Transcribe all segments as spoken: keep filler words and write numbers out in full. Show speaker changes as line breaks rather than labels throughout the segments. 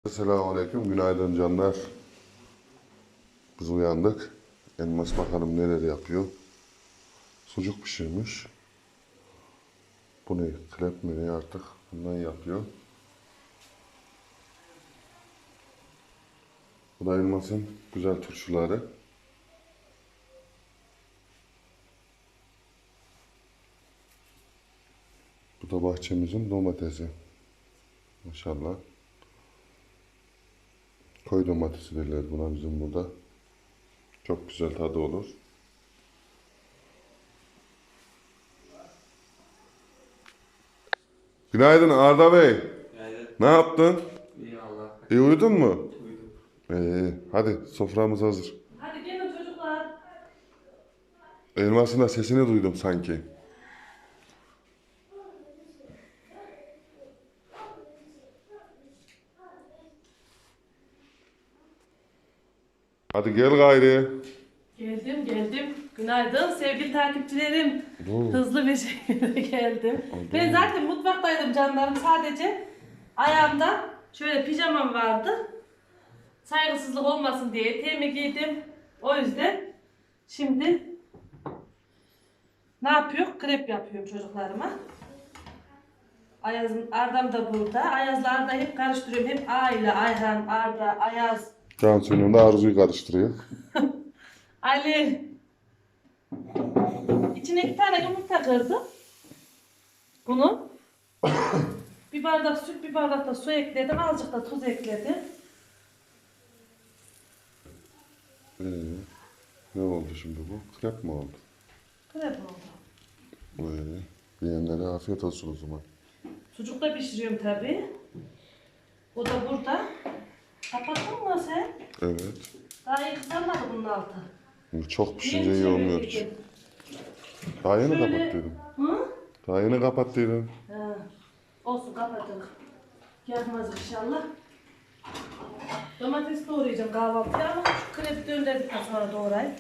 Selamünaleyküm, günaydın canlar. Biz uyandık. Elmas bakalım neler yapıyor. Sucuk pişirmiş. Bu ne? Krep mi ne artık? Bundan yapıyor. Bu da Elmas'ın güzel turşuları. Bu da bahçemizin domatesi. Maşallah. Koy domatesi derler buna bizim burada. Çok güzel tadı olur. Günaydın Arda Bey.
Günaydın.
Ne yaptın?
İyi Allah.
İyi uyudun mu?
Uyudum.
İyi. Hadi soframız hazır.
Hadi gelin çocuklar.
Elmas'ın da sesini duydum sanki. Hadi gel gayri.
Geldim geldim. Günaydın sevgili takipçilerim.
Oo.
Hızlı bir şekilde geldim.
Oldu.
Ben zaten mutfaktaydım canlarım. Sadece ayağımda şöyle pijamam vardı. Saygısızlık olmasın diye eteğimi giydim. O yüzden şimdi ne yapıyor? Krep yapıyorum çocuklarıma. Ayaz'ın Arda'm da burada. Ayaz'la Arda hep karıştırıyorum. Hep A ile Ayhan, Arda, Ayaz,
Cansu'nun da Arzu'yu karıştırıyor.
Ali. İçine iki tane yumurta kırdım. Bunu. Bir bardak süt, bir bardak da su ekledim. Azıcık da tuz ekledim.
Ee, ne oldu şimdi bu? Krep mi oldu?
Krep oldu.
Ee, yiyenlere afiyet olsun o zaman.
Sucuk da pişiriyorum tabii. O da burada. Kapattın mı sen?
Evet.
Daha iyi kızarmadı bunun altı.
Çok pişince
Niye
iyi olmuyor ki.
çevirdin?
Daha yeni
Şöyle-
kapattıydım.
Hı?
Daha yeni kapattıydım.
Ha. Olsun kapatalım. Yakmaz inşallah. Domates doğrayacağım kahvaltıya ama şu krepi döndürdükten sonra doğrayayım.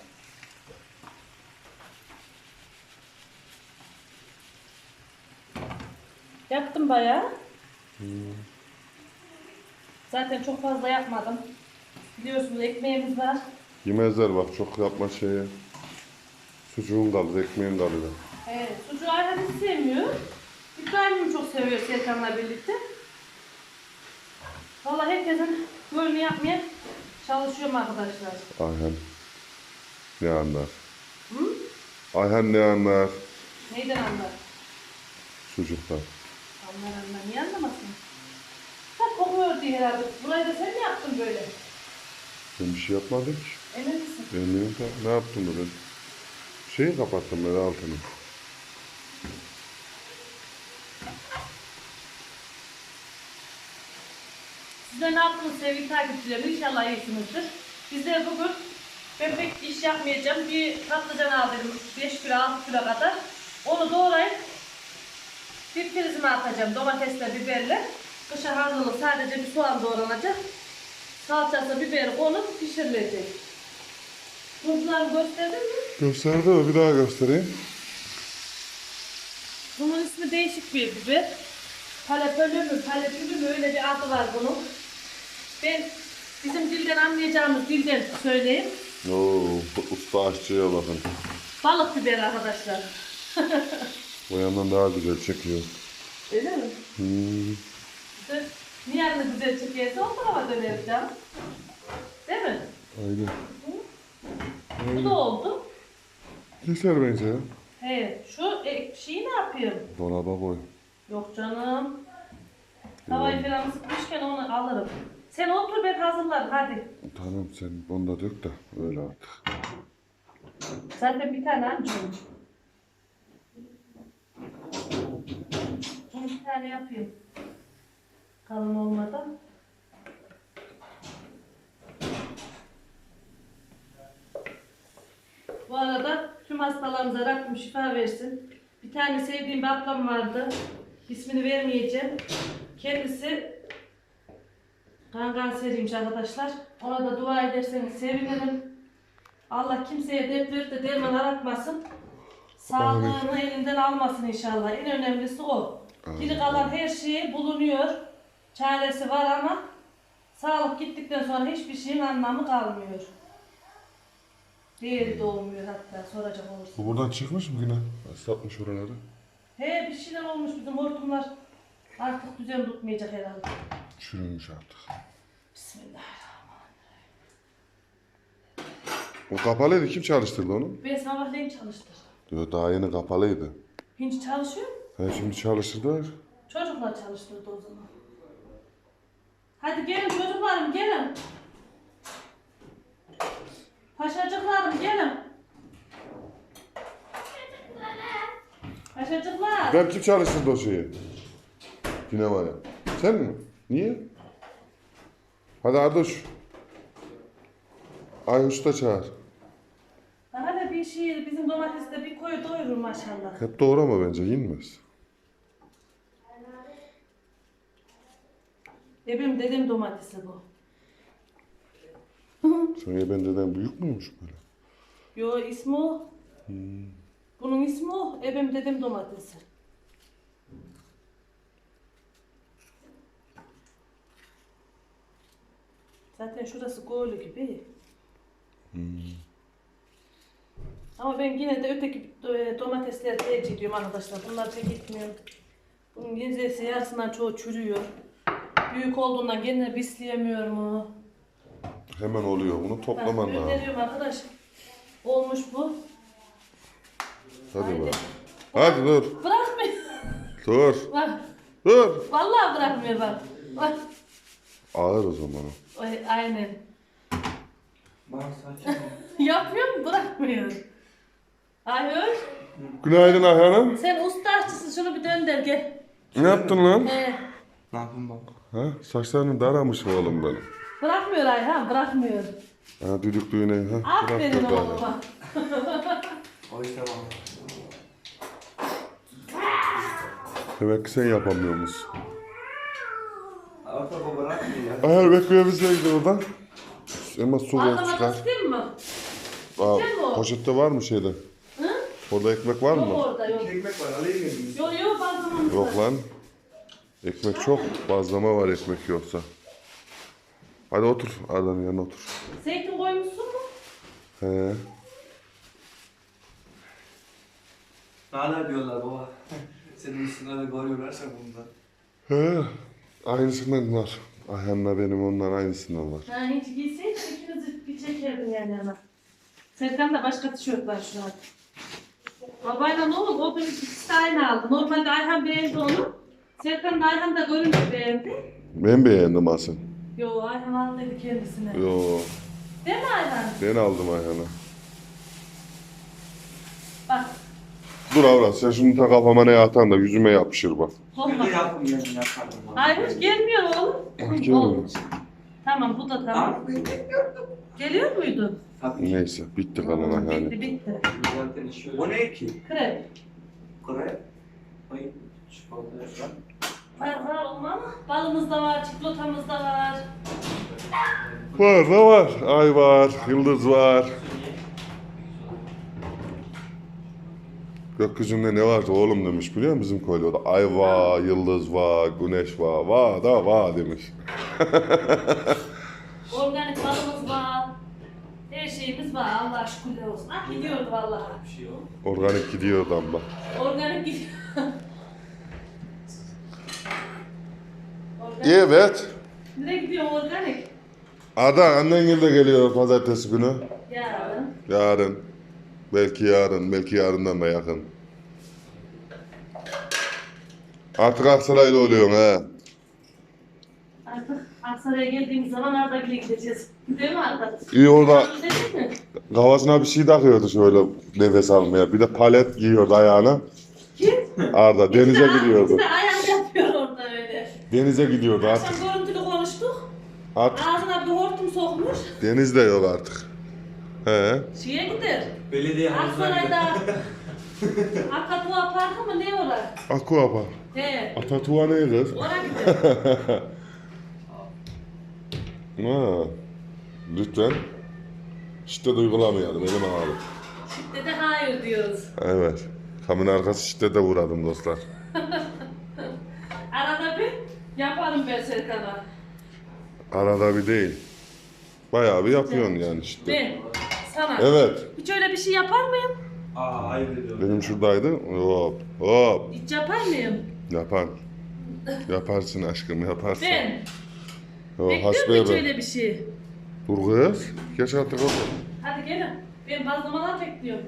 Yaktım bayağı. Zaten çok fazla yapmadım. Biliyorsunuz ekmeğimiz var.
Yemezler bak çok yapma şeye. Sucuğun kalır, ekmeğin kalır.
Evet, sucuğu Ayhan hiç sevmiyor. İbrahim'im çok seviyor Serkan'la birlikte. Vallahi herkesin gönlünü yapmaya çalışıyorum arkadaşlar.
Ayhan ne anlar?
Hı?
Ayhan ne anlar?
Neyden anlar?
Sucuktan.
Anlar anlar. Niye anlamasın? Ha kokuyor diye herhalde. Burayı da sen mi yaptın böyle?
Ben bir şey yapmadım ki.
Emin misin?
Eminim de ne yaptım ben? Şeyi kapattım ben altını.
Size ne yaptınız sevgili takipçilerim? İnşallah iyisinizdir. Bizler bugün ben pek iş yapmayacağım. Bir patlıcan aldım beş kilo altı kilo kadar. Onu doğrayıp bir prizime atacağım domatesle biberle. Kışa hazırlık sadece bir soğan doğranacak. Salçası biberi konup pişirilecek. Tuzları gösterdin mi?
Gösterdi mi? Bir daha göstereyim.
Bunun ismi değişik bir biber. Palepölü mü, palepülü mü öyle bir adı var bunun. Ben bizim dilden anlayacağımız dilden söyleyeyim.
Oo, usta aşçıya bakın.
Balık biber arkadaşlar.
O yandan daha güzel çekiyor.
Öyle mi?
Hmm.
İşte niye yanını güzel çekerse o tarafa döneriz canım. Değil mi?
Aynen.
Bu da oldu.
Keser bence ya.
He, şu e, şeyi ne yapayım?
Dolaba koy.
Yok canım. Havayı falan ısıtmışken onu alırım. Sen otur ben hazırlarım hadi.
Tamam sen onu da dök de öyle artık.
Zaten bir tane ancım. Bunu bir tane yapayım. Kalın olmadan. Bu arada tüm hastalarımıza Rabbim şifa versin. Bir tane sevdiğim bir ablam vardı. İsmini vermeyeceğim. Kendisi kan kanseriymiş arkadaşlar. Ona da dua ederseniz sevinirim. Allah kimseye dert verip de derman aratmasın. Sağlığını elinden almasın inşallah. En önemlisi o. Geri kalan her şey bulunuyor. Çaresi var ama Sağlık gittikten sonra hiçbir şeyin anlamı kalmıyor. Değeri de olmuyor hatta soracak olursun.
Bu buradan çıkmış mı yine? Satmış oraları.
He bir şeyler olmuş bizim hortumlar. Artık düzen tutmayacak herhalde.
Çürümüş artık.
Bismillahirrahmanirrahim.
O kapalıydı. Kim çalıştırdı onu?
Ben sabahleyin çalıştırdım.
Diyor daha yeni kapalıydı.
Hinç çalışıyor.
He şimdi çalıştırdılar.
Çocuklar çalıştırdı o zaman. Hadi gelin çocuklarım gelin. Paşacıklarım gelin. Paşacıklar.
Ben kim çalıştırdı o şeyi? Sinemaya. Sen mi? Niye? Hadi Ardoş. Ayhoş'u da çağır.
Daha da bir şey bizim domateste bir koyu doyurur maşallah.
Hep doğrama bence. Yenmez.
E benim dedem domatesi bu.
Sen ben deden büyük müymüş böyle?
Yo ismi o.
Hmm.
Bunun ismi o. Ebem dedem domatesi. Zaten şurası koyulu gibi.
Hmm.
Ama ben yine de öteki e, domatesleri tercih ediyorum arkadaşlar. Bunlar pek gitmiyor. Bunun gezesi yarısından çoğu çürüyor. Büyük olduğundan kendine bisleyemiyorum onu.
Hemen oluyor. Bunu toplaman
Ben
lazım.
gönderiyorum arkadaş. Olmuş bu.
Hadi
Haydi.
bak. Hadi dur.
Bırakmıyor.
Dur.
Bak.
Dur.
Vallahi bırakmıyor bak. Bak.
Ağır o zaman o.
Ay, aynen.
Bak saçma.
Yapıyor mu? Bırakmıyor. Hayır.
Günaydın Ayhan'ım.
Sen usta aşçısın. Şunu bir dönder gel.
Ne yaptın lan?
He.
Ne yapayım baba?
Ha? Saçlarını daramış oğlum benim.
Bırakmıyor Ayhan. Bırakmıyor.
Ha düdüklüğüne. Ha?
Aferin
Bırak da bari.
oğluma.
O işte baba.
Demek ki sen yapamıyor musun?
Orta baba bırakmıyor ya.
Ayhan bekliyor bize gidiyor oradan. Ama su ver
Ağzına
çıkar.
kıstın mı?
Aa,
Güzel mi o?
poşette var mı şeyde?
Hı?
Orada ekmek var
Yok
mı?
orada yok.
İki ekmek var alayım mı?
Yok yok bazlamamız
Yok
var.
lan. Ekmek çok. Bazlama var ekmek yoksa. Hadi otur. Arda'nın yanına otur.
Zeytin koymuşsun mu?
He.
Nane diyorlar baba. Senin üstüne de koyuyorlarsa bundan.
He. Aynısından var. Ayhan'la benim ondan aynısından var.
Ha hiç giyseydin ikinizi bir çekerdin yani ana. Serkan da başka tişört var şu an. Babayla ne oldu? O da ikisi de aynı aldı. Normalde Ayhan beğendi onu. Serkan da Ayhan da görünce beğendi.
Ben beğendim aslında.
Yo Ayhan al dedi kendisine.
Yo.
Değil mi Ayhan?
Ben aldım Ayhan'a.
Bak.
Dur avrat sen şunu ta kafama ne atan da yüzüme yapışır bak.
Korkma.
Bir de yapın yani yaparım.
Hayır hiç gelmiyor oğlum.
Gelmiyor.
Olmuş. Tamam bu da tamam.
Abi ben bekliyordum.
Geliyor muydu?
Tabii ki.
Neyse bitti kalan Ayhan'ı.
Bitti bitti.
Zaten şöyle. O ne ki?
Krep.
Kore. Ay çikolata şu an.
Var var olmam. Balımız da var, çikolatamız da var.
Var da var. Ay var. Yıldız var. Gökyüzünde ne vardı oğlum demiş biliyor musun bizim köylü? O da ay var, yıldız var, güneş var, var da var demiş.
Organik balımız var. Her şeyimiz var. Allah şükürler olsun. Ah gidiyordu vallahi.
Bir şey yok.
Organik gidiyor damla.
Organik gidiyor. Organik.
Evet.
Nereye gidiyor organik?
Ada annen de geliyor pazartesi günü.
Yarın.
Yarın. Belki yarın, belki yarından da yakın. Artık Aksaray'la oluyorsun ha.
Artık Aksaray'a geldiğimiz zaman Arda'ya gideceğiz. Değil mi Arda?
İyi orada
Dedin mi?
kafasına bir şey takıyordu şöyle nefes almaya. Bir de palet giyiyordu ayağına.
Kim?
Arda denize gidiyordu.
İşte ayağını yapıyor orada öyle.
Denize gidiyordu artık.
Akşam görüntülü konuştuk.
Artık
Ağzına bir hortum sokmuş.
deniz de yok artık. He.
Şeye gider.
Belediye havuzuna gidiyor.
Aksaray'da Akatuğa Parkı mı ne orası?
Aquapa.
He.
Atatuğa ne kız?
Oraya gider.
Ha. Lütfen. Şiddet uygulamayalım elim ağrı.
Şiddete hayır diyoruz.
Evet. Kamın arkası şiddete uğradım dostlar.
Arada bir yaparım ben Serkan'a.
Arada bir değil. Bayağı bir yapıyorsun yani işte.
Ben sana
Evet.
hiç öyle bir şey yapar mıyım?
Aa ayıp ediyorum.
Benim şuradaydı. Hop hop.
Hiç yapar mıyım?
Yapar. Yaparsın aşkım yaparsın.
Ben.
O
Bekliyor
hasbeye
musun hiç
bak.
öyle bir şey?
Dur kız. Geç artık otur.
Hadi gelin. Ben bazlamalar bekliyorum.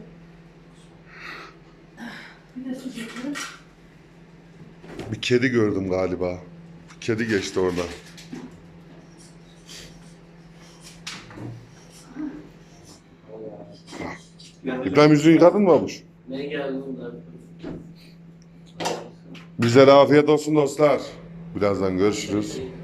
Bir de sucuklu.
Bir kedi gördüm galiba. Bir kedi geçti oradan. İbrahim yüzünü yıkadın mı babuş?
Ne geldi bunlar?
Bize de afiyet olsun dostlar. Birazdan görüşürüz.